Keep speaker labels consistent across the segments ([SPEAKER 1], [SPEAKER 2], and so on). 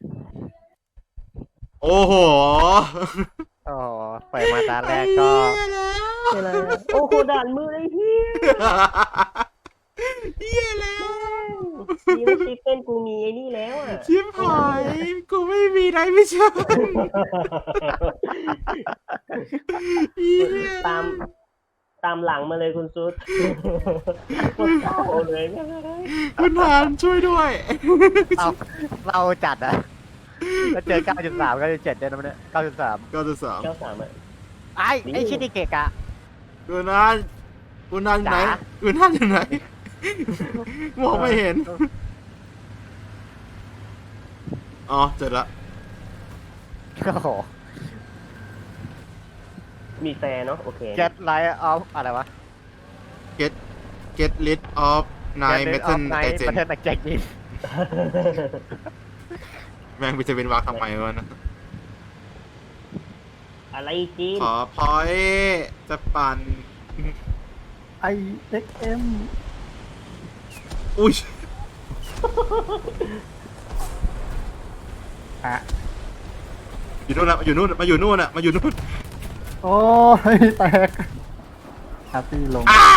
[SPEAKER 1] โอ้โห
[SPEAKER 2] โอ้โหเปิดมาตาแรกก็
[SPEAKER 3] อะไรอะโอ้โหด่านมือไอ้เหี้ย
[SPEAKER 1] เฮียแล้ว
[SPEAKER 3] ดีนะชิปเป็นกูมีไอ้นี่แล้วอ่ะ
[SPEAKER 1] ชิบหายกูไม่มีไรไม่ใช่เฮีย
[SPEAKER 3] ตามหลังมาเลยคุณซุดโคตรเศร้าเลยแม่งเอ้ย
[SPEAKER 1] คุณทานช่วยด้วย
[SPEAKER 2] เราจัดอะแล้วเจอ 9.3 9.7ได้นะมันเนี่ย 9.3
[SPEAKER 1] ก็จะสาม
[SPEAKER 3] เจ้าสามอ่ะ
[SPEAKER 2] ไอ้ชินิเกะกะ
[SPEAKER 1] คุณทานคุณทานอยู่ไหน
[SPEAKER 2] จ๋า
[SPEAKER 1] คุณทานอยู่ไหนมองไม่เห็นอ๋อเจอละ
[SPEAKER 2] โอ้โห
[SPEAKER 3] มีแฟร์เนาะโอเค
[SPEAKER 2] Get Light of อะไรวะ
[SPEAKER 1] get rid of nine metal
[SPEAKER 2] ไน
[SPEAKER 1] agent
[SPEAKER 2] เมทัลแจกยิน
[SPEAKER 1] แม่งไปจะเป็นวากทำไมวะนะ
[SPEAKER 3] อะไรจีน
[SPEAKER 1] ขอพอยจะปั่น
[SPEAKER 4] IXM
[SPEAKER 1] อุ้ย
[SPEAKER 4] อ่ะ
[SPEAKER 1] อยู่นู่นนะอยู่นู่นมาอยู่นู่นอะมาอยู่นู่น
[SPEAKER 4] โอ้ยแตกฮาร์ปี้ลง
[SPEAKER 1] อ่ะ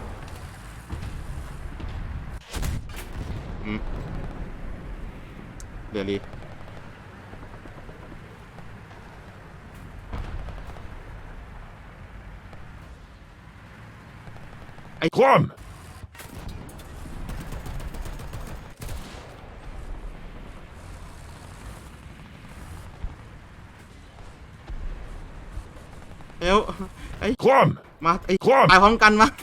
[SPEAKER 1] อืมเดี๋ยวรีไอ้คว่ำเอ้วไอ้คว่ำมาไอ้คว่ำตายพร้อมกันมา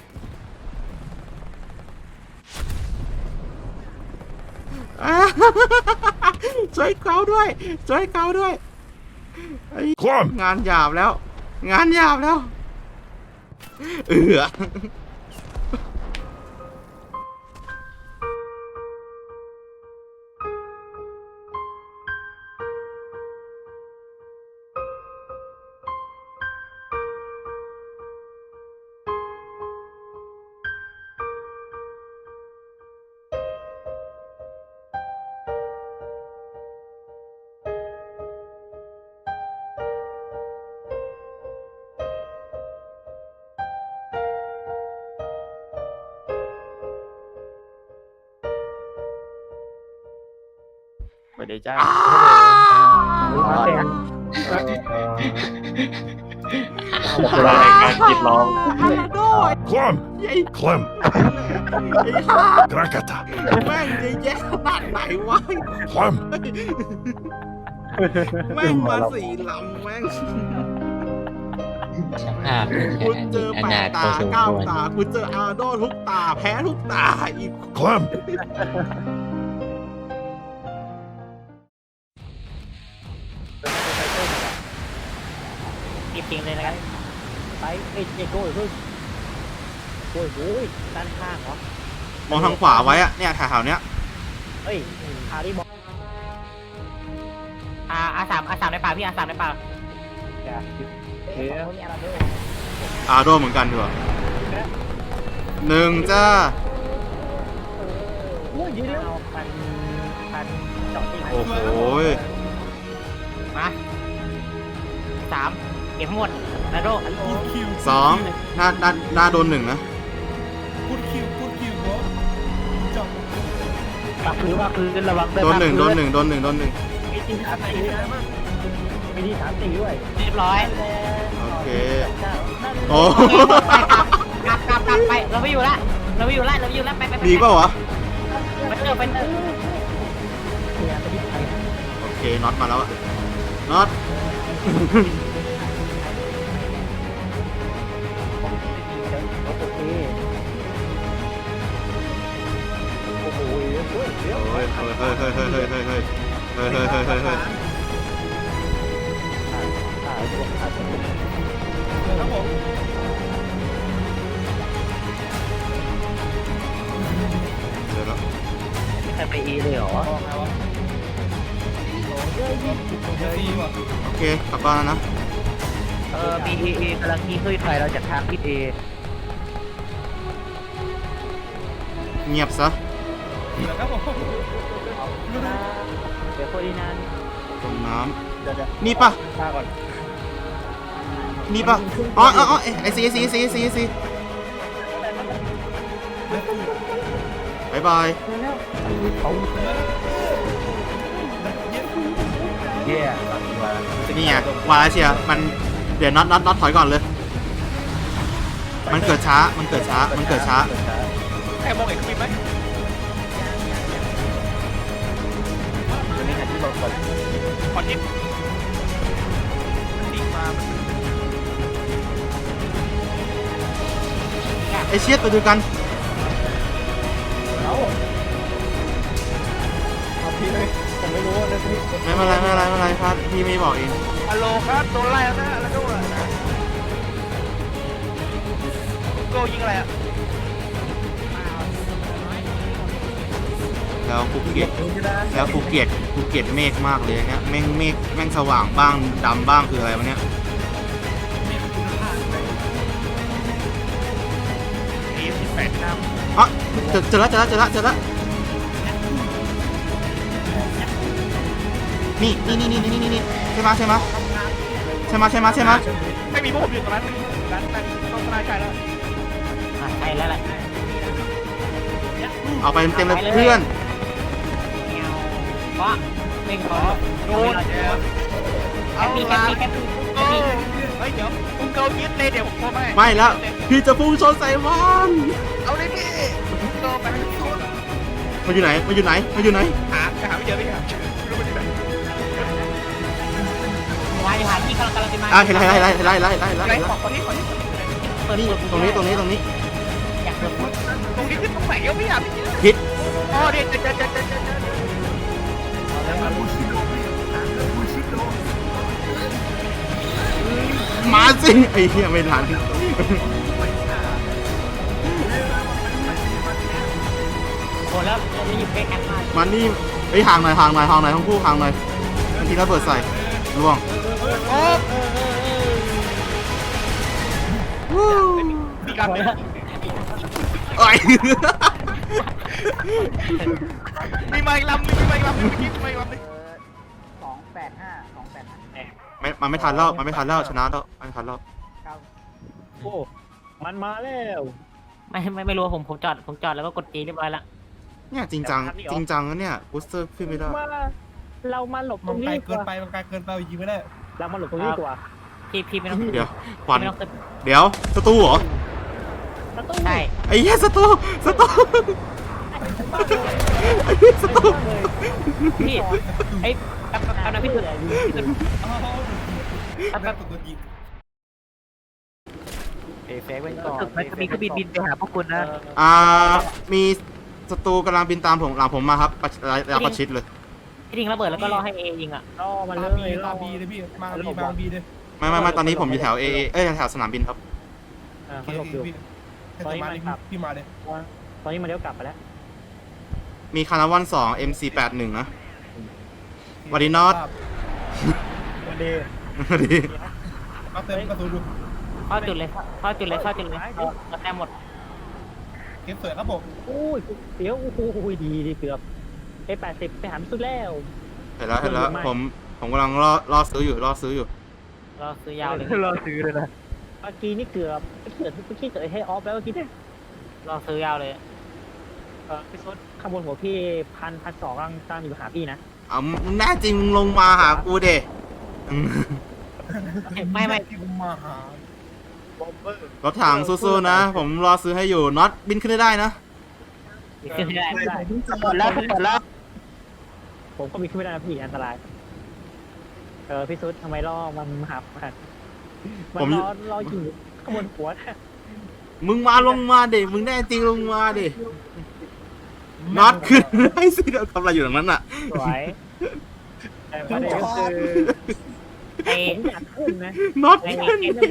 [SPEAKER 1] ช่วยเขาด้วยช่วยเขาด้วยไอ้คว่ำงานหยาบแล้ว งานหยาบแล้วอ
[SPEAKER 2] สวัสดีจ้า
[SPEAKER 3] มาเต็ม
[SPEAKER 5] รายการจิตร้อง
[SPEAKER 1] คว่ำไอ้คว่ำไอ้ห่ากระกะตะแม่งจะแย่ขนาดไหนวะคว่ำแม่งมาสี่ลำแม่ง
[SPEAKER 5] สภาพนี่
[SPEAKER 1] กู
[SPEAKER 5] ใช่
[SPEAKER 1] เจอ
[SPEAKER 5] อ
[SPEAKER 1] แป
[SPEAKER 5] นา
[SPEAKER 1] ด
[SPEAKER 5] ถพ
[SPEAKER 1] ตา
[SPEAKER 5] อสม
[SPEAKER 1] เก้า
[SPEAKER 5] ควร
[SPEAKER 1] ตากูเจออาโดทุกตาแพ้ทุกตาอีกคว่ำ
[SPEAKER 3] จริงๆเลยนะครับไปเอ้ยโก้ยพึ่งโอ้ยโอ้ยด้านข้างเหรอ
[SPEAKER 1] มองทางขวาไว้อะเนี่ยแถวๆเนี้ย
[SPEAKER 3] เฮ้ยคาริบอกอาสามในป่าพี่อาสามในป่าเดี๋ยวเขามีอะไรด้วย
[SPEAKER 1] อาโดเหมือนกันดีกว่าหนึ่งจ้า
[SPEAKER 3] โอ้ยเดี๋ยวพันเจาะตี
[SPEAKER 1] โอ้โห
[SPEAKER 3] มาสามเก็บหมดนะโด
[SPEAKER 1] สองหน้าโดนหนึ่งนะ
[SPEAKER 3] ปักคือระวัง
[SPEAKER 1] โดนหนึ่งโดนหนึ่งโดนหนึ่งโดนหนึ่ง
[SPEAKER 3] มีทีสามสี่ด้วยมีทีสามสี่ด้วยเรียบร้อย
[SPEAKER 1] โอเคโอ้
[SPEAKER 3] กลับไปเราไม่อยู่ละเราไม่อยู่ละไป
[SPEAKER 1] มีเปล่าวะ
[SPEAKER 3] มันเจอเป็น
[SPEAKER 1] โอเคน็อตมาแล้วอะน็อต
[SPEAKER 3] โอเคโอ้โหเฮ้ย
[SPEAKER 1] เฮ้ยเฮ้ยเฮ้ยเฮ้ยเฮ้ยเฮ้ยเฮ้ยเฮ้ยเฮ้ยเฮ้ยเฮ้ยเฮ้ยเฮ้ยเดี๋ยวแล้ว
[SPEAKER 3] ใครไปอีเลยเหรอ
[SPEAKER 1] โอเคกลับบ้านแล้วนะ
[SPEAKER 3] BEA กำลังที่ขึ้นไปเราจากทางทิศ A
[SPEAKER 1] เงียบซะ
[SPEAKER 3] เดี๋ยวโคดีนาน
[SPEAKER 1] ตรงน้
[SPEAKER 3] เดี๋ยว
[SPEAKER 1] ำนี่ปะ
[SPEAKER 3] ฆ่าก่อน
[SPEAKER 1] นี่ปะอ๋อไอซีบายบาย
[SPEAKER 2] เย่
[SPEAKER 1] นี่ไงวาเชียมันเดี๋ยวน็อตถอยก่อนเลย มันเกิดช้า
[SPEAKER 3] ใครมองเห็นคุณไหม
[SPEAKER 2] ตัวนี้ที่เรากด
[SPEAKER 3] ขอทิปตีมา
[SPEAKER 1] ไอเชียตัวเดียวกัน
[SPEAKER 3] เอาพี่เลยผมไม่รู้นะพี่
[SPEAKER 1] ไม่เป็นไรครับพี่ไม่บอกเอง
[SPEAKER 3] ฮัลโหลครับโดนไล่แล้วนะแล้วก็โกยิงอะไรอ่ะ
[SPEAKER 1] แล้วกูเกลียดเมฆมากเลยเนี่ยแม่งสว่างบ้างดำบ้างคืออะไรวะเนี่ย
[SPEAKER 3] นี่18น้ำ
[SPEAKER 1] อ๋อเจอแล้วนี่ใช่ไหม
[SPEAKER 3] ไม่มีพวกผมอยู่ตรงนั้นไม่มีร้านต้องสลายใจแล้ว
[SPEAKER 2] ใช่แล้วแหละ
[SPEAKER 1] เอาไปเต็มเลยเพื่อน
[SPEAKER 2] เพราะไม่ขอ
[SPEAKER 3] โดนเอาละเฮ้ยเดี๋ยวคุณเกายึดเลยเดี๋ยวผมโทรไป
[SPEAKER 1] ไม่แล้วพี่จะพุ่งชนใส่มัน
[SPEAKER 3] เอาเลยพี่โดนไปให้สุด
[SPEAKER 1] มันอยู่ไหน
[SPEAKER 3] หาไม่เจอพี่ครับไม่รู้มันอยู่ไหน
[SPEAKER 2] หาที่กำลังจะมา
[SPEAKER 1] เห็นไล่
[SPEAKER 3] ไหนขอที่
[SPEAKER 1] นี่ตรงนี้
[SPEAKER 2] อยากเปิด
[SPEAKER 3] ตรงนี้ขึ้นตรงไหนเอ้าพี่อ่ะพี่
[SPEAKER 1] พิษ
[SPEAKER 3] อ๋อเดี๋ยว
[SPEAKER 1] มาสิไอ้เหี้ยไม่ทัน
[SPEAKER 2] โอ้แล้วจะอยู่ใกล้กันมาก
[SPEAKER 1] มันนี่ไอ้ห่างหน่อยทั้งคู่ห่างหน่อยบางทีระเบิดใส่ล่วง
[SPEAKER 3] โอ้มีการ
[SPEAKER 1] เอ้ย
[SPEAKER 3] มีไม้ลำนึงมีไม้ลำนึง
[SPEAKER 1] มันไม่ทันแล้วชนะแล้วไม่ทันแล้ว
[SPEAKER 3] โอ้มันมาแล้ว
[SPEAKER 2] ไม่รู้ผมจอดแล้วก็กดจีเรียบร้อยละ
[SPEAKER 1] เนี่ยจริงจังนะเนี่ยบูสเตอร์ขึ้นไม่ได้
[SPEAKER 3] เรามาหลบตรงนี้เกินไปมันไกลเกินไปยิงไม่ได้เรามาหลบตรงนี้กว่า
[SPEAKER 2] พี่ไม่ต้อง
[SPEAKER 1] เดี๋ยวควันเดี๋ยวศัตรูเหรอ
[SPEAKER 2] ใช่
[SPEAKER 1] ไอ้เหี้ยศัตรู
[SPEAKER 2] พี่ไอ้เอานะพี่ตุ่นเฟกไว้ก่อนมันจะมีเครื่องบินไปหาพวกคุณนะ
[SPEAKER 1] มีศัตรูกำลังบินตามผมหลังผมมาครับประชิดเลย
[SPEAKER 2] พี่ทิ้งระเบิดแล้วก็รอให้เอยิงอ่ะ
[SPEAKER 3] รอมันเลยรอบีเลยพี่มาบีเลย
[SPEAKER 1] ไม่ตอนนี้ผมอยู่แถวแถวสนามบินครับ
[SPEAKER 3] เขาหลบอยู่ตอนนี้มาพี่มาเลยตอนนี้มาเลี้ยวกลับไปแล้ว
[SPEAKER 1] มีคานาวัน2 MC81 นะวันดีนอต
[SPEAKER 3] วันดี
[SPEAKER 1] วันดี
[SPEAKER 3] เอาเติมกระสุนดู
[SPEAKER 2] เข้าจุดเลยเราแต้มหมด
[SPEAKER 3] เก็บสวยครับผมโอ้ยเดี๋ยวโอ้ยดีเกือบ80ไปหาสุดแล้ว
[SPEAKER 1] เห็นแล้วผมกำลังรอซื้ออยู่
[SPEAKER 2] รอซื้อยาวเลย
[SPEAKER 3] รอซื้อเลยนะเมื่อกี้นี่เกือบเกิดให้ออฟแล้วเมื่อกี้เนี่ย
[SPEAKER 2] รอซื้อยาวเลย
[SPEAKER 3] พี่ซดข้างบนหัวพี่1,200กำลังตามอยู่หาพี่นะ
[SPEAKER 1] แน่จริงลงมาหากูเด
[SPEAKER 2] ไม่
[SPEAKER 3] มาหาบอมเบอร์
[SPEAKER 1] รถถังสู้ๆนะ ผมรอซื้อให้อยู่น็อตบินขึ้นได้นะ
[SPEAKER 2] ขึ้นไม่ได้
[SPEAKER 3] หมดแล้วผมก็มีขึ้นไม่ได้นะพี่อันตรายพี่ซุดทำไมล่อมันหับมันรออยู่ข้างบนหัวนะ
[SPEAKER 1] มึงมาลงมาเด็มึงแน่จริงลงมาเด็น็อตขึ้นให้สิเราทำอะไรอยู่ตรงนั้นอ่ะ
[SPEAKER 3] สวยแต่ประเด็นก็คือผมอยากขึ้นนะ
[SPEAKER 1] น็อต
[SPEAKER 2] เห็น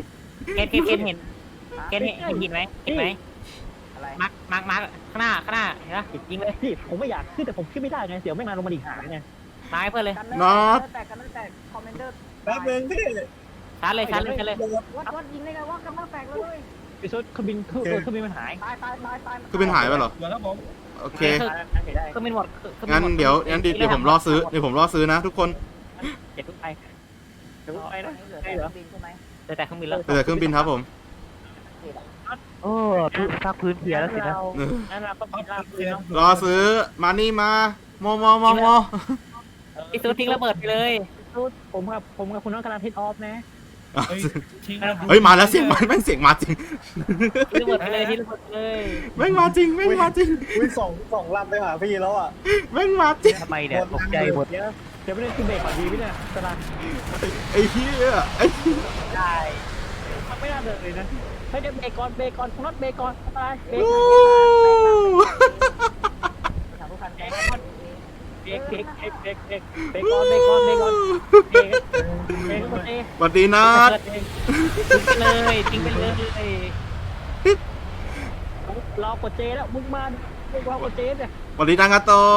[SPEAKER 2] ไหมอะไรมาร์กข้างหน้าเห็นปะยิงเลย
[SPEAKER 3] พี่ผมไม่อยากขึ้นแต่ผมขึ้นไม่ได้ไงเดี๋ยวไม่มาลงมาอีกหาไง
[SPEAKER 2] มาให้เพื่อนเลย
[SPEAKER 1] น็อต
[SPEAKER 6] แต่คอมเมนเดอร์
[SPEAKER 3] แป๊บนึงพี่
[SPEAKER 2] ชาร์จเลย
[SPEAKER 6] วัดยิงได้ไงว่ากำลังแตกเลย
[SPEAKER 3] พี่ซุดเครื่องบินมันหาย
[SPEAKER 6] ตาย
[SPEAKER 1] คือเป็นหายไปเหรอ
[SPEAKER 3] เดี๋ยวครับผม
[SPEAKER 1] โอเค
[SPEAKER 2] ก็ไม่หมด
[SPEAKER 1] งั้นเดี๋ยวผมรอซื้อนะทุกคน
[SPEAKER 3] เก็บทุกไปเดี๋ยวไปนะ
[SPEAKER 6] เหลือ
[SPEAKER 3] ใช่
[SPEAKER 6] แต่
[SPEAKER 3] เหรอ
[SPEAKER 6] บินใช่ไหม
[SPEAKER 3] แต่เครื่องบินแล้ว
[SPEAKER 1] เหลือเครื่องบินครับผม
[SPEAKER 2] โอ้ภาคพื้นเพียแล้วสินะ
[SPEAKER 3] งั้นเราก็บินลากพื้นเนาะ
[SPEAKER 1] รอซื้อมานี่มาโม
[SPEAKER 3] พี่ซูทิ้งระเบิดไปเลยซูผมกับคุณน้องกำลังทิศออฟนะ
[SPEAKER 1] เฮ้ยมาแล้วเสียงมันแม่งเสียงมาจริง
[SPEAKER 3] ทิ้งระเบิดไปเลยทิ้งระเบิดไปเลย
[SPEAKER 1] แม่งมาจริงแม่งมาจริง
[SPEAKER 4] วิ่งสองลำไปหาพี่แล้วอ่ะ
[SPEAKER 1] แม่งมาจริง
[SPEAKER 2] ทำไมเนี่ยตกใจหมด
[SPEAKER 3] เดี๋ยวไม่ได้ขึ้นเบรกก่อนดีไหมเนี่ยตลาด
[SPEAKER 1] ไอ้เหี้ยไอ้
[SPEAKER 3] ได้ทำไม่ได้เลยนะเฮ้ยเดี๋ยวเบรกก่อนคุณน็อตเบรกก่อนตายเบรก
[SPEAKER 1] วู้
[SPEAKER 6] ถามทุกคัน
[SPEAKER 3] เบรกก่อนเบรกก่อนเบรกก่อนเบรกก่อนเอง
[SPEAKER 1] สวัสดีนัด
[SPEAKER 3] ทิ้งไปเลยรอกดเจแล้วมึงมาไม่รอกดเจเนี่ย
[SPEAKER 1] สวัสดีนางาโตะ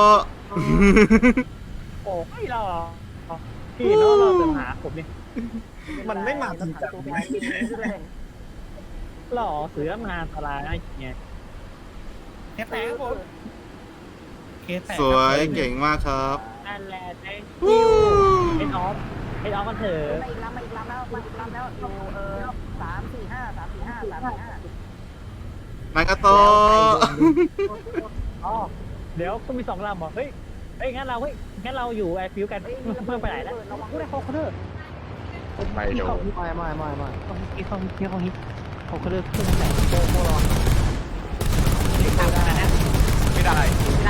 [SPEAKER 3] โอ้ไม่รอพี่เนาะเราเดินหาผมเนี่ย
[SPEAKER 4] มันไม่มาจริงจัง
[SPEAKER 6] ตัวไปบินขึ้นเลย
[SPEAKER 3] หล่อเสือมาอันตรายไอ้เนี่ย
[SPEAKER 1] สวยเก่งมากครับ
[SPEAKER 3] นั่นแหละไอ้
[SPEAKER 1] วู้
[SPEAKER 3] เป็นออฟกันเถอะ
[SPEAKER 6] มาอีกลำแล้วอยู่345
[SPEAKER 1] นางาโตะ
[SPEAKER 3] อ๋อเดี๋ยวต้องมี2 ลำเหรอเฮ้ยงั้นเราอยู่แอร์ฟิวกันเพิ่มไปไหนแล้วพูดได้เขาเถอะ
[SPEAKER 5] ไม่โดน
[SPEAKER 2] ไม่
[SPEAKER 3] ต้องฮิตเขาเลิกขึ้นแต่โบรอ
[SPEAKER 5] ไม่ได้
[SPEAKER 2] ได้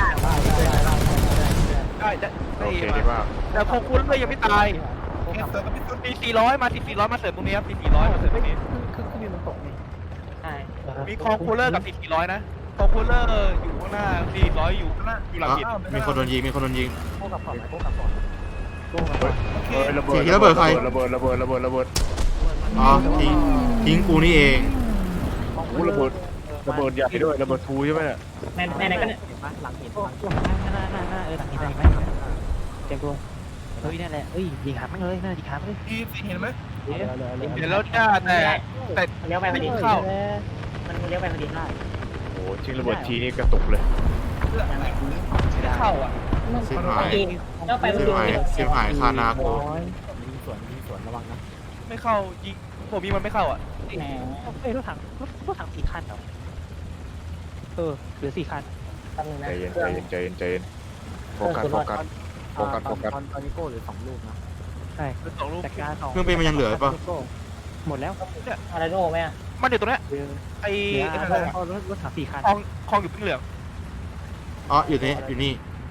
[SPEAKER 5] โอเคดีมากแต่พอคุณเลยยังไม่ตายมี400มา400มาเสริมตรงนี้ครับมี400มาเสริมตรงนี้
[SPEAKER 3] ขึ้นมันตกไงใช่
[SPEAKER 5] มีคอคูลเลอร์กับ400นะคอคูลเลอร์อยู่ข้างหน้า400อยู่ข้างหน้าอยู่หลัง
[SPEAKER 1] อ่ะ
[SPEAKER 5] หิน
[SPEAKER 1] มีคนโดนยิง
[SPEAKER 3] โค้กับก่อนโค้กับก่อน
[SPEAKER 5] ระเบิ
[SPEAKER 1] เสี
[SPEAKER 5] ด
[SPEAKER 1] ยงระเบิดใคร
[SPEAKER 5] ระเบิด
[SPEAKER 1] อ๋อทิ้งกูนี่เอง
[SPEAKER 5] ระเบิดใหญ่ด้วยระเบิดทูใช่ไหมเนี่ย
[SPEAKER 3] ไหนก็เนี่ย
[SPEAKER 2] หลังหิน
[SPEAKER 3] โอ้หน้าหลังนี้ได้ไหมเต็มตัวเฮ้ยนั่นแหละเฮ้ยยิงขามันเลยน่ายิงขามันเลย
[SPEAKER 5] เห็นไหม
[SPEAKER 3] เดี๋ยว
[SPEAKER 5] เห็นแล้วจ้าแต่
[SPEAKER 3] เลี้ยวไปพอดี
[SPEAKER 5] เข้า
[SPEAKER 3] มันเลี้ยวไปพอดีได้
[SPEAKER 5] โอ้ทิ้งระเบิดทีนี่กระตุกเลยเข้าอ่ะ
[SPEAKER 1] สิบหาย
[SPEAKER 3] เลี้ยวไปพอ
[SPEAKER 1] สิบ
[SPEAKER 3] ดี
[SPEAKER 1] หายสิบหายคานาโก
[SPEAKER 2] มีสวนระวังนะ
[SPEAKER 5] ไม่เข้ายิงผมยิงมันไม่เข้าอ่ะ
[SPEAKER 3] แหมเอ้ยรถถัง4 คันเหรอเหลือ4 คันแป๊บนึงนะ
[SPEAKER 5] ใจเย็นโฟกัส
[SPEAKER 2] ตอนนี้โก้หรือ2 ลูกนะ
[SPEAKER 3] ใช่
[SPEAKER 5] สองลูก
[SPEAKER 3] จัดการ2
[SPEAKER 1] เครื่องบินมันยังเหลือป่ะ
[SPEAKER 3] หมดแล้วอะไรโน่ไหมอ่ะ
[SPEAKER 5] มันอยู่ตรงนี้ไอ้
[SPEAKER 3] รถถัง4 คัน
[SPEAKER 5] คลองอยู่pinเหลือง
[SPEAKER 1] อ๋ออยู่นี่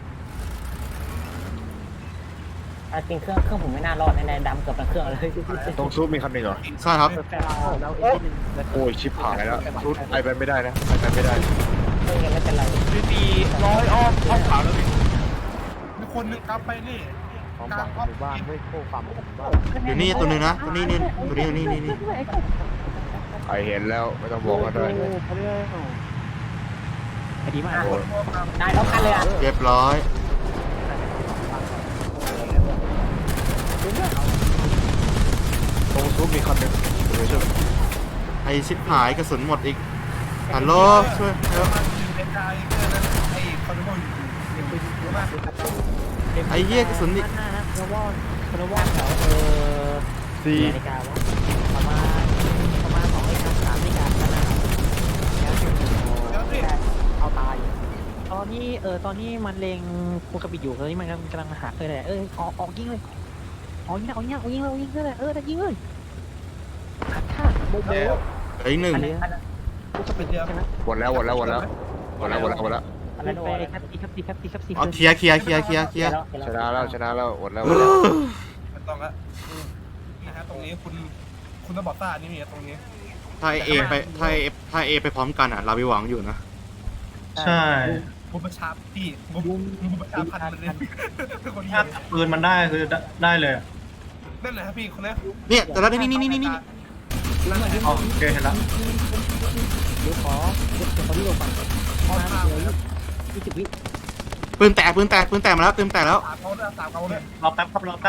[SPEAKER 3] จริงเครื่องผมไม่น่ารอดแน่ๆดำเกือบทั้งเครื่องเลย
[SPEAKER 5] ตรงซุปมีคันหนึ่งเหรอ
[SPEAKER 1] ใช่ครับ
[SPEAKER 2] แล้ว
[SPEAKER 5] โอ้ยชิปหายแล้วซุปไปไม่ได้นะไปไม่ได้
[SPEAKER 3] ไม่เป็นไร
[SPEAKER 5] ดี100อ้อมขาวแล้วพี่
[SPEAKER 7] มีคนนึงครับไปนี่
[SPEAKER 2] ความหวังหมู่บ้านด้วยโก้ความหวังหมู่บ้าน
[SPEAKER 1] อยู่นี่ตัวหนึงนะตัวนี้นี่
[SPEAKER 5] ไอเห็นแล้วไม่ต้องบอกก็ได้
[SPEAKER 3] ดีมาก
[SPEAKER 5] โอ้ย
[SPEAKER 3] ได้แล้วกันเลยอ่ะ
[SPEAKER 1] เรียบร้อย
[SPEAKER 5] ตรงซุปมีคันหนึ่งเดี๋ยวช่วย
[SPEAKER 1] ไอชิบหายกระสุนหมดอีกฮัลโหลช่วยเร็ว
[SPEAKER 7] เป็นไอ้เพื่อนนั้นไอ้คอนโดอยู่เยอะมาก
[SPEAKER 1] ไอ้เหี้ยกระสุนนี่
[SPEAKER 3] หน้านะคอนวอนแถว
[SPEAKER 5] ซี
[SPEAKER 3] นาฬิกาวะประมาณ2 นาฬิกา 3 นาฬิกาแล้วนะ
[SPEAKER 7] แล้วพี่
[SPEAKER 2] เอาตาย
[SPEAKER 3] ตอนนี้มันเลงคูกระบิดอยู่ตอนนี้มันกำลังหาเลยออกยิงเลยยิงเลยได้ยิงเลยฆ่าโบ
[SPEAKER 1] เหลืออีกหนึ่ง
[SPEAKER 3] คูกระบิดใช่ไหม
[SPEAKER 5] หมดแล้ว
[SPEAKER 3] อันนั้น
[SPEAKER 1] อ๋อ
[SPEAKER 3] ครับตี
[SPEAKER 1] เคลียร์
[SPEAKER 5] ชนะแล้วหมดแล้ว
[SPEAKER 7] ไม่ต้องละนะฮะตรงนี้คุณต้องบอกต้านี่มีตรงนี้
[SPEAKER 1] ถ้าเอไปพร้อมกันอ่ะเราไปหวังอยู่นะ
[SPEAKER 4] ใช่
[SPEAKER 7] บุประชาพี่บุประชาพันธ์มันเลยคน
[SPEAKER 4] ถ้าปืนมันได้คือได้เลย
[SPEAKER 7] นั่นแหละครับพี่คนนี้
[SPEAKER 1] เนี่ยแต่ละนี่
[SPEAKER 4] โอเคเห็นแล้ว
[SPEAKER 3] เดี๋ยวขอที่ลงก่อนประมาณ20 วิ
[SPEAKER 1] ปืนแตกมาแล้วปืนแตกแล้ว
[SPEAKER 7] 3เขาเลย
[SPEAKER 4] รอแป๊บครับรอแป๊บ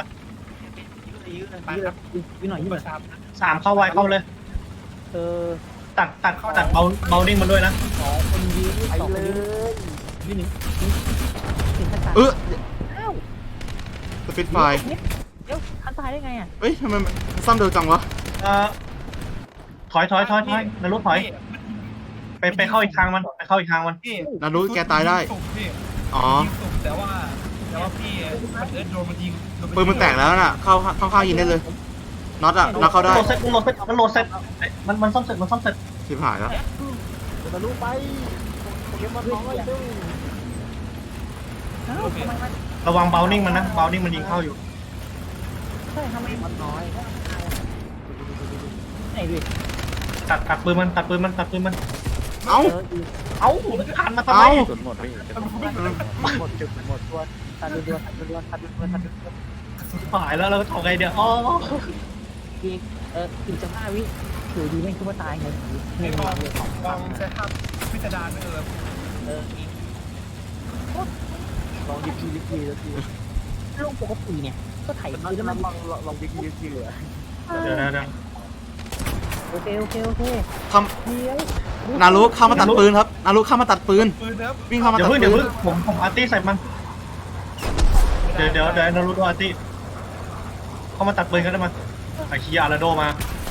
[SPEAKER 3] วิหน่อย
[SPEAKER 7] ประชา
[SPEAKER 4] 3เข้าไวเข้าเลย ตัดเบาดิ้งมันด้วยนะ
[SPEAKER 3] คนยืน2 คนยืนวิหนึ่ง
[SPEAKER 1] สปิดไฟ
[SPEAKER 3] เดี๋ยวอันตายได้ไงอ่ะ
[SPEAKER 1] เอ้ยทำไมมันซ่อมเร็วจังวะ
[SPEAKER 4] ถอยนรกถอยไปเข้าอีกทางมันไปเข้าอีกทางมัน
[SPEAKER 7] พี่
[SPEAKER 1] นารุแกตายได้
[SPEAKER 7] พี่
[SPEAKER 1] อ๋อ
[SPEAKER 7] ยิงสุกแต่ว่าพี่มันโดนมันยิง
[SPEAKER 1] ปืนมันแตกแล้วน่ะเข้าข้างยิงได้เลยน็อตอะน็อตเข้าได้
[SPEAKER 4] มันโหลดเสร็จมันซ่อมเสร็จ
[SPEAKER 1] ชิบหายแล้ว
[SPEAKER 2] ทะลุไปโปเกมอนน้อยด้วย
[SPEAKER 3] เอ้าทำไมมัน
[SPEAKER 4] ระวังเบลนิ่งมันนะเบลนิ่งมันยิงเข้าอยู่
[SPEAKER 3] ใช่ทำไมมันน้อยไหนดิ
[SPEAKER 4] ตัดปืนมัน
[SPEAKER 1] เอ้า
[SPEAKER 4] เอ้าหันมาทำไม
[SPEAKER 1] เอ้า
[SPEAKER 2] จนหมดพี่หมดจุดหมดตัวตัดรัว
[SPEAKER 4] หายแล้วเราทำไงเดี๋ยวอ๋อ
[SPEAKER 3] อีกอีก15 วิถือดีไม่คิดว่าตายไง
[SPEAKER 7] ให้ลองใช้ภาพพิสดารไม่
[SPEAKER 2] ลองยิบทีแล้วที
[SPEAKER 3] ลงปกติเนี่ยก็ไถปืนแล้วมัน
[SPEAKER 2] ลองยิบทีเหลือ
[SPEAKER 4] เดี๋ยว
[SPEAKER 3] โอเค
[SPEAKER 1] ท
[SPEAKER 3] เดี๋ยว
[SPEAKER 1] ำนารุเข้ามาตัดปืนครับนารุเข้ามาตัดปืน
[SPEAKER 7] ปืนนะครับ
[SPEAKER 1] วิ่งเข้ามา
[SPEAKER 4] เดี๋ย
[SPEAKER 1] ตัว ด
[SPEAKER 4] เพิ่ง
[SPEAKER 1] ปืน
[SPEAKER 4] ผมอาร์ตี้ใส่มันเดี๋ยวนารูโดอาร์ตี้เข้ามาตัดปืนกันได้มาไอ้ขี้ยาลาโดมา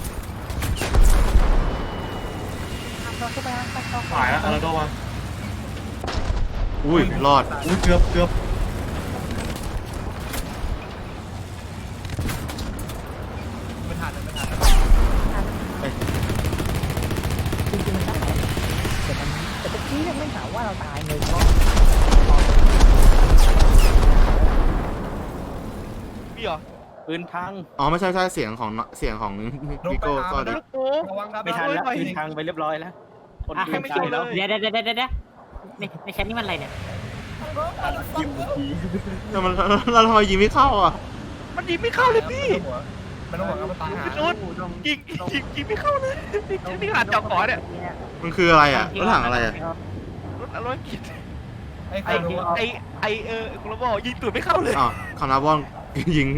[SPEAKER 4] หายแล้วอาราโดมา
[SPEAKER 1] อุ้ยรอด
[SPEAKER 4] อุ้ยเกือบ
[SPEAKER 7] ไม่ทัน
[SPEAKER 3] จริงๆมันได้แต่ตะกี้เนี่ยไม่ถามว่าเราตายเลยก็
[SPEAKER 5] พี่เหรอ
[SPEAKER 2] ปืนพัง
[SPEAKER 1] อ๋อไม่ใช่เสียงของวิโก้ก็ดิ
[SPEAKER 7] ระวังครับ
[SPEAKER 2] ไม่ทันแล้วปืนพังไปเรียบร้อยแล้วคนปืนตายแล้ว
[SPEAKER 3] เดี๋ยวในแชทนี่มันอะไรเนี่ย
[SPEAKER 1] แต่มันเราทำไมยิงไม่เข้าอ่ะ
[SPEAKER 5] มันยิงไม่เข้าเลยพี่
[SPEAKER 7] มันต้องบอกว่ามันตายหา
[SPEAKER 5] พี่สุดยิงไม่เข้าเลยนี่ขนาดจอดขอเนี่ย
[SPEAKER 1] มันคืออะไรอ่ะรถถังอะไรอ่ะ
[SPEAKER 5] รถกิน
[SPEAKER 7] ไอ้
[SPEAKER 5] ไอ
[SPEAKER 7] คนรู้ว่า
[SPEAKER 5] คุณระบอกยิงตูดไม่เข้าเลย
[SPEAKER 1] อ๋อคานาบอนยิง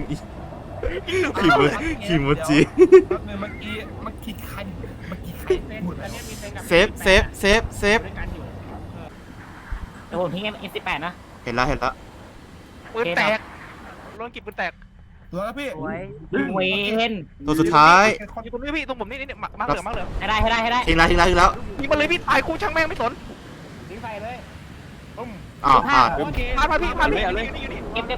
[SPEAKER 1] ขี่มจิ
[SPEAKER 7] เมื่อกี้ใครพูดอะไร
[SPEAKER 1] เซฟ
[SPEAKER 3] เดี๋ยวผมทิ้ง M18 นะ
[SPEAKER 1] เห็นแล้ว
[SPEAKER 5] ปืนแตกรถกินปืนแตก
[SPEAKER 7] ตัวแล้วพี่
[SPEAKER 3] เวน
[SPEAKER 1] ตัวสุดท้าย
[SPEAKER 5] อยู่ตรงนี้พี่ตรงผมนี่มาเหลือมาเหลือ
[SPEAKER 3] ให้ได้
[SPEAKER 1] ทิ้งแล้ว
[SPEAKER 5] ยิงมาเลยพี่ตายคู่ช่างแม่งไม่สน
[SPEAKER 1] อ้าวพลาด
[SPEAKER 5] พาพี่อยู่นี่
[SPEAKER 3] เก็บ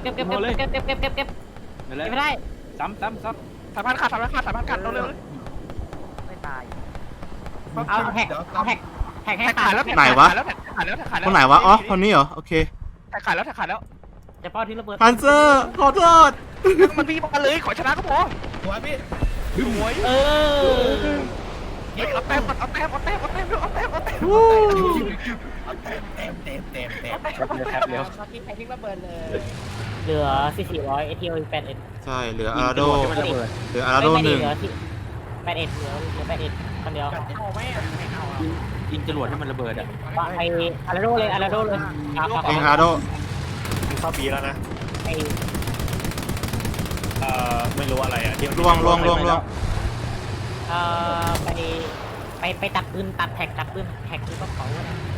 [SPEAKER 3] ไม่ได้
[SPEAKER 2] ซ้ำ
[SPEAKER 5] สามพันขาดเร็ว
[SPEAKER 3] ไม่ตายเอาแท็กให้
[SPEAKER 5] แท็กขาดแล้ว
[SPEAKER 1] คนไหนวะอ๋อคนนี้เหรอโอเค
[SPEAKER 5] แท็กขาดแล้ว
[SPEAKER 3] จะเป้าที่ระเบิด
[SPEAKER 1] พันเซอร์ขอโทษ
[SPEAKER 5] มันพี่มาเลยขอชนะก็พอ
[SPEAKER 7] ตัวพี่
[SPEAKER 5] สวย เอาแต้มเอาแต้ม
[SPEAKER 7] เต็ม
[SPEAKER 3] เหลือ400 ATO 81
[SPEAKER 1] ใช่เหลืออาราโด1
[SPEAKER 3] 81เหลือคนเดียว
[SPEAKER 2] ยิงจรวดให้มันระเบิดอ่ะ
[SPEAKER 3] ไปอาราโดเลย
[SPEAKER 1] เองอาราโด
[SPEAKER 8] เข้าปีแล้วนะ
[SPEAKER 3] ไอ
[SPEAKER 8] ไม่รู้อะไรอ่ะที่มัน
[SPEAKER 1] ล่วง
[SPEAKER 3] ไปตัดปืนตัดแท็กคือต้องเขา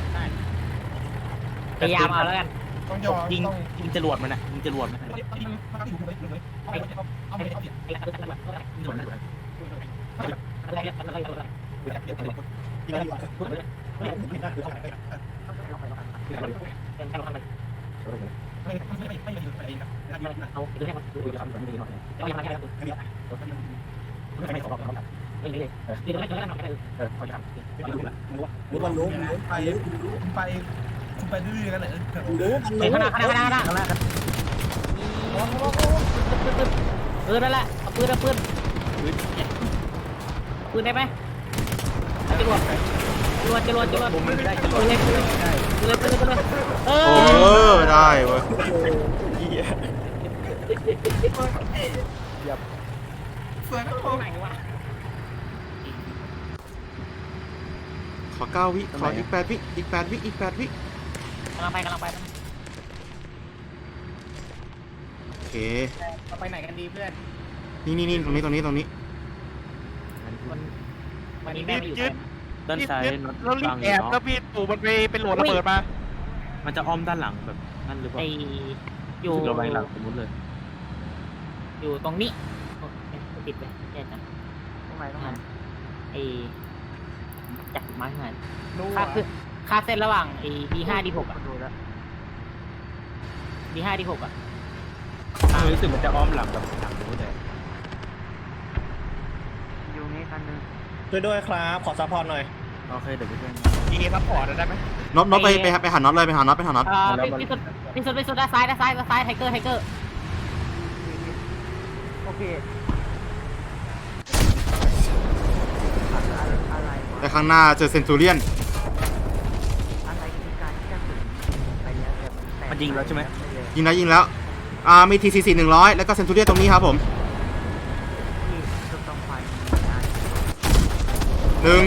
[SPEAKER 3] พยายามเอาแล้วกัน
[SPEAKER 7] ต้องยอม
[SPEAKER 2] ยิงจรวดมันอ่ะยิงจรวดมัน
[SPEAKER 7] คุณไปดื้อกันเลย
[SPEAKER 3] ข้างหน้านั่นแหละเอาปืนได้ไหมจรวดผมไม่ได้จรวดเลย
[SPEAKER 1] โอ้ได้เว้ยขอ9 วิขออีก8 วิอีก8 วิ
[SPEAKER 3] กำลังไป
[SPEAKER 1] โอเค
[SPEAKER 7] ไปไหนกันดีเพื่อน
[SPEAKER 1] นี่ตรงนี้
[SPEAKER 3] วันนี้แม่ไม่อยู่
[SPEAKER 2] ด้านซ้ายน็อต
[SPEAKER 5] แล้วรี
[SPEAKER 2] บั
[SPEAKER 5] บ
[SPEAKER 2] ง
[SPEAKER 5] แอบแล้วพี่ตู่มันไปเป็นโหลดระเบิดมา
[SPEAKER 2] มันจะอ้อมด้านหลังแบบนั่นหรือเป
[SPEAKER 3] ไอ
[SPEAKER 2] ล่า
[SPEAKER 3] อยู่
[SPEAKER 2] ระแวงหลังสมมติเลย
[SPEAKER 9] อยู่ตรงนี้ติดไปแย่จัง
[SPEAKER 2] ตรงไหนตรงไหน
[SPEAKER 9] ไอ้จักรมาขนาด
[SPEAKER 7] รู้
[SPEAKER 9] ค่า
[SPEAKER 7] อ่ะ
[SPEAKER 9] คือค่าเส้นระหว่างไอ้ D5 D6 อ่ะ
[SPEAKER 2] ดูแล้ว
[SPEAKER 9] D5 D6 อ่ะ
[SPEAKER 5] รู้สึกมันจะอ้อมหลังแบบหลังรู้เลย
[SPEAKER 2] อยู่นี้คันนึง
[SPEAKER 4] ช่วยด้วยครับขอซัพพอร์ตหน่อย
[SPEAKER 2] โอเคเดี๋ยวไปช่วย
[SPEAKER 5] ทีนี้ซัพพอร์ตได้ไหม
[SPEAKER 1] น็อตไปหาน็อตเลยไปหาน็อต
[SPEAKER 9] พี่สุดด้านซ้ายไทเกอร์
[SPEAKER 2] โอเคอะไรวะ
[SPEAKER 1] แต่ข้างหน้าเจอเซนตูเรียน
[SPEAKER 2] อะไรคือการที่จะถึงไปเนี้ยแต่มันแตก
[SPEAKER 5] มันยิงแล้วใช่ไหม
[SPEAKER 1] ยิงแล้วมี TCC 100แล้วก็เซนตูเรียนตรงนี้ครับผม
[SPEAKER 2] ที่จุดต้องไฟ
[SPEAKER 1] หนึ่ง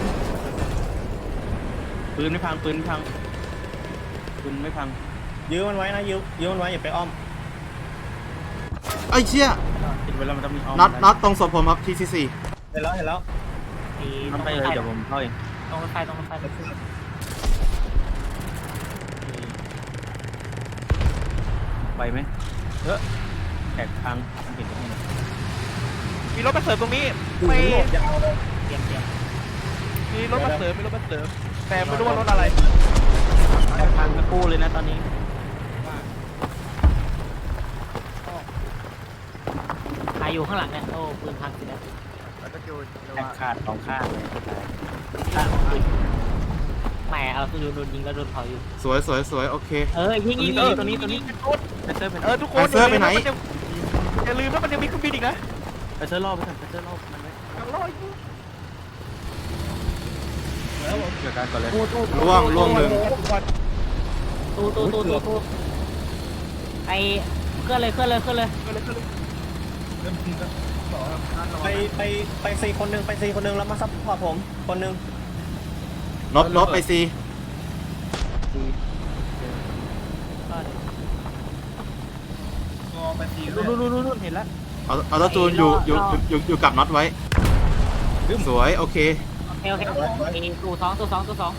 [SPEAKER 5] ปืนไม่พังปืนไม่พังปืนไม่พัง
[SPEAKER 4] ยื้อมันไว้นะยื้อมันไว้อย่าไปอ้อม
[SPEAKER 1] ไอ้เชี่ย
[SPEAKER 5] ติดเวลามันต้องมีอ้อม
[SPEAKER 1] น็อตตรงศพผมครับ TCC
[SPEAKER 4] เห็นแล้ว
[SPEAKER 5] ทำไปเลยเดี๋ยวผมเข้าเอง
[SPEAKER 9] ตรงรถไฟ
[SPEAKER 5] ไปไหมแตกพังเห็นไหม
[SPEAKER 3] มีรถมาเสริมตรงนี้
[SPEAKER 4] ไม่
[SPEAKER 9] เตรียม
[SPEAKER 3] มีรถมาเสริมแต่ไม่รู้ว่ารถอะไร
[SPEAKER 5] แตกพังทั้งคู่เลยนะตอนนี้
[SPEAKER 9] ใครอยู่ข้างหลังเนี่ยโอ้ปืนพังสิแล้ว
[SPEAKER 2] แล้วก็จูน
[SPEAKER 5] แตกขาดสองข้างเลย
[SPEAKER 9] แหมเอาโดนยิงแล้วโดนเผาอยู่
[SPEAKER 1] สวยโอเค
[SPEAKER 9] ยิงตัวนี้
[SPEAKER 3] ทุกคน
[SPEAKER 1] เซอร์ไปไหน
[SPEAKER 3] อย่าลืมว่ามันยังมีเครื่องบินอีกนะ
[SPEAKER 5] ไปเซอร์รอบไปก่อนไปเซอร์รอบมันไว้
[SPEAKER 3] ยังรออยู่
[SPEAKER 5] เกี่ยวกันก่อนเลย
[SPEAKER 1] ล่วงหนึ่ง
[SPEAKER 9] ตู้ไอเคลื่อนเลย
[SPEAKER 7] เริ่มทีแล้ว
[SPEAKER 4] ไป4 คนหนึ่งแล้วมาซัพพอร์ตผมคนหนึ่ง
[SPEAKER 1] น็อตไป C
[SPEAKER 7] ก็ไปที
[SPEAKER 3] นู่นเห็นแล้ว
[SPEAKER 1] เอาตัวจูนอยู่กับน็อตไว้สวยโอเค
[SPEAKER 9] โอเคตู้สอง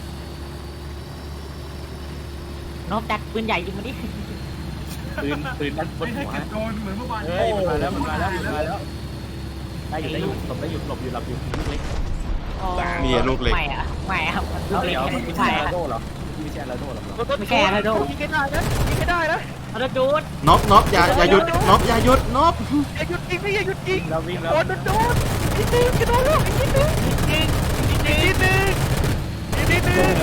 [SPEAKER 9] นกจัดปืนใหญ่ยิงมาดิ
[SPEAKER 5] ปืนด้านบน
[SPEAKER 7] ไม่
[SPEAKER 5] หั
[SPEAKER 7] ให้
[SPEAKER 5] ว
[SPEAKER 7] เก็บโดนเหมือนเมื่อวาน
[SPEAKER 5] เฮ้ยมาแล้วได้อยู่หลบอยู่หลับอยู่เล็ก
[SPEAKER 1] มีลูกเล็ก
[SPEAKER 9] ไม่อะลูกเล็ก
[SPEAKER 5] ไม่
[SPEAKER 9] ใช่
[SPEAKER 5] ใช่
[SPEAKER 9] อะ
[SPEAKER 5] อาโดหรอไม่ใช่อาโดหรอ
[SPEAKER 9] ไม่แก่แล้วโด
[SPEAKER 3] ยิงไม่ได้นะ
[SPEAKER 9] เอาละจูด
[SPEAKER 1] น็อตอย่าหยุดน็อตอย่าหยุดน็อต
[SPEAKER 3] อย่าหยุดยิงพี่อย่าหยุดยิง
[SPEAKER 5] เราวิ่งแล้ว
[SPEAKER 3] โดนนิดนึงกระโดดแล้วนิดนึงอีกนิดนึง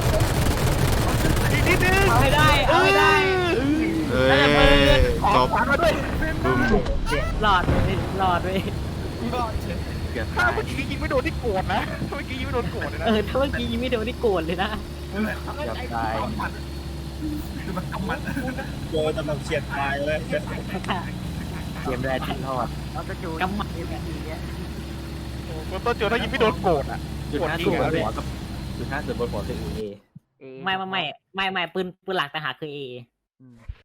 [SPEAKER 9] เอาให้ได้
[SPEAKER 1] เอ้ยจบ
[SPEAKER 3] ขวานมาด้วย
[SPEAKER 1] บึ้ม
[SPEAKER 9] หลอดเลย
[SPEAKER 5] เกือบ
[SPEAKER 3] ถ้า
[SPEAKER 5] ตาย
[SPEAKER 3] เมื่อกี้ยิงไม่โดนที่โกรธนะเมื่อกี้ยิงไม่โดนโกรธเลยนะ
[SPEAKER 9] ถ้าเมื่อกี้ยิงไม่โดนที่โกรธเลยนะ
[SPEAKER 5] เกือบตาย
[SPEAKER 7] คือมันกำมัด
[SPEAKER 4] โดนกำลังเฉียดตายเลย
[SPEAKER 5] เกมแรกที่ทอด
[SPEAKER 2] แล้วก็จูน
[SPEAKER 9] กำมัด
[SPEAKER 2] เนี้ย
[SPEAKER 3] คนต้นเจอถ้ายิงไม่โดนโกรธอ่ะ
[SPEAKER 5] จุด5ส่วนบนหัวกับจุด5ส่วนบนหัวคือ A
[SPEAKER 9] ไม่ปืนหลักแต่หาคือเอ